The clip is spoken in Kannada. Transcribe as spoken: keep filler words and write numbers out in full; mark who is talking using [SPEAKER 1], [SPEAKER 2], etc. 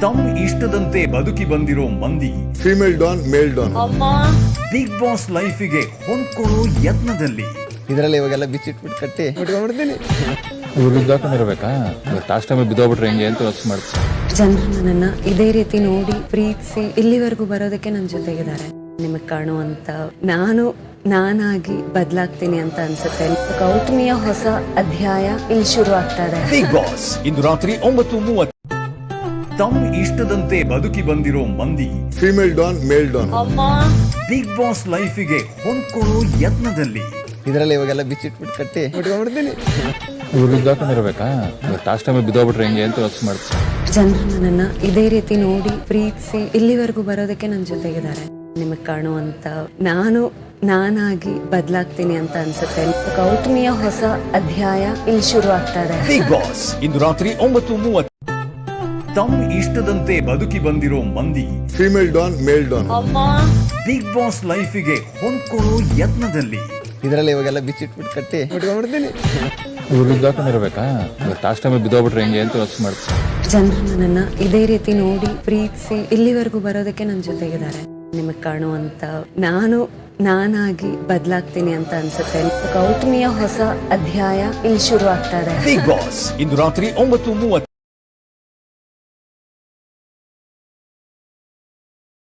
[SPEAKER 1] ತಮ್ಮ ಇಷ್ಟದಂತೆ ಬದುಕಿ ಬಂದಿರೋ ಮಂದಿ
[SPEAKER 2] female don male don
[SPEAKER 1] Bigg Boss ಲೈಫಿಗೆ ಹೊಂದ್ಕೊಳ್ಳೋ ಯತ್ನದಲ್ಲಿ
[SPEAKER 3] ಇದರಲ್ಲಿ ಇವಾಗೆಲ್ಲ ಬಿಚ್ಚಿಟ್ಬಿಟ್ಟು ಕಟ್ಟಿ ಬಿಟ್ಕೊಂಡ್ಬಿಡ್ತೀನಿ.
[SPEAKER 4] ಇವ್ರು ಬಿದ್ದಾಕೊಂಡಿರ್ಬೇಕಾ ಲಾಸ್ಟ್ ಟೈಮ್ ಬಿದ್ದೋಗ್ಬಿಟ್ರೆ ಹೆಂಗೆ ಅಂತ ಯೋಚನೆ ಮಾಡ್ತೀನಿ.
[SPEAKER 5] ಜನರು ನನ್ನನ್ನ ಇದೇ ರೀತಿ ನೋಡಿ ಪ್ರೀತಿಸಿ ಇಲ್ಲಿವರೆಗೂ ಬರೋದಕ್ಕೆ ನನ್ನ ಜೊತೆಗಿದ್ದಾರೆ. ನಿಮಗೆ ಕಾಣುವಂತ ನಾನು ನಾನಾಗಿ ಬದಲಾಗ್ತೀನಿ ಅಂತ ಅನ್ಸುತ್ತೆ. ಗೌತಮಿಯ ಹೊಸ ಅಧ್ಯಾಯ ಇಲ್ಲಿ ಶುರು ಆಗ್ತಾ ಇದೆ.
[SPEAKER 1] ಬಿಗ್ ಬಾಸ್ ಇಂದು ರಾತ್ರಿ ಒಂಬತ್ತು ಮೂವತ್ತು. ತಮ್ಮ ಇಷ್ಟದಂತೆ ಬದುಕಿ ಬಂದಿರೋ ಮಂದಿ
[SPEAKER 2] female don male don
[SPEAKER 1] Bigg Boss ಲೈಫಿಗೆ ಹೊಂದ್ಕೊಳ್ಳೋ ಯತ್ನದಲ್ಲಿ
[SPEAKER 3] ಇದರಲ್ಲಿ ಇವಾಗೆಲ್ಲ ಬಿಚ್ಚಿಟ್ಬಿಟ್ಟು ಕಟ್ಟಿ ಬಿಟ್ಕೊಂಡ್ಬಿಡ್ತೀನಿ.
[SPEAKER 4] ಇವ್ರು ಬಿದ್ದಾಕೊಂಡಿರ್ಬೇಕಾ ಲಾಸ್ಟ್ ಟೈಮ್ ಬಿದ್ದೋಗ್ಬಿಟ್ರೆ ಹೆಂಗೆ ಅಂತ ಯೋಚನೆ ಮಾಡ್ತೀನಿ.
[SPEAKER 5] ಜನರು ನನ್ನನ್ನ ಇದೇ ರೀತಿ ನೋಡಿ ಪ್ರೀತಿಸಿ ಇಲ್ಲಿವರೆಗೂ ಬರೋದಕ್ಕೆ ನನ್ನ ಜೊತೆಗಿದ್ದಾರೆ. ನಿಮಗೆ ಕಾಣುವಂತ ನಾನು ನಾನಾಗಿ ಬದಲಾಗ್ತೀನಿ ಅಂತ ಅನ್ಸುತ್ತೆ. ಗೌತಮಿಯ ಹೊಸ ಅಧ್ಯಾಯ ಇಲ್ಲಿ ಶುರು ಆಗ್ತಾ ಇದೆ.
[SPEAKER 1] ಬಿಗ್ ಬಾಸ್ ಇಂದು ರಾತ್ರಿ ಒಂಬತ್ತು ಮೂವತ್ತು. ತಮ್ಮ ಇಷ್ಟದಂತೆ ಬದುಕಿ ಬಂದಿರೋ ಮಂದಿ
[SPEAKER 2] female don male don
[SPEAKER 1] Bigg Boss ಲೈಫಿಗೆ ಹೊಂದ್ಕೊಳ್ಳೋ ಯತ್ನದಲ್ಲಿ
[SPEAKER 3] ಇದರಲ್ಲಿ ಇವಾಗೆಲ್ಲ ಬಿಚ್ಚಿಟ್ಬಿಟ್ಟು ಕಟ್ಟಿ ಬಿಟ್ಕೊಂಡ್ಬಿಡ್ತೀನಿ.
[SPEAKER 4] ಇವ್ರು ಬಿದ್ದಾಕೊಂಡಿರ್ಬೇಕಾ ಲಾಸ್ಟ್ ಟೈಮ್ ಬಿದ್ದೋಗ್ಬಿಟ್ರೆ ಹೆಂಗೆ ಅಂತ ಯೋಚನೆ ಮಾಡ್ತೀನಿ.
[SPEAKER 5] ಜನರು ನನ್ನನ್ನ ಇದೇ ರೀತಿ ನೋಡಿ ಪ್ರೀತಿಸಿ ಇಲ್ಲಿವರೆಗೂ ಬರೋದಕ್ಕೆ ನನ್ನ ಜೊತೆಗಿದ್ದಾರೆ. ನಿಮಗೆ ಕಾಣುವಂತ ನಾನು ನಾನಾಗಿ ಬದಲಾಗ್ತೀನಿ ಅಂತ ಅನ್ಸುತ್ತೆ. ಗೌತಮಿಯ ಹೊಸ ಅಧ್ಯಾಯ ಇಲ್ಲಿ ಶುರು ಆಗ್ತಾ ಇದೆ.
[SPEAKER 1] ಬಿಗ್ ಬಾಸ್ ಇಂದು ರಾತ್ರಿ ಒಂಬತ್ತು ಮೂವತ್ತು.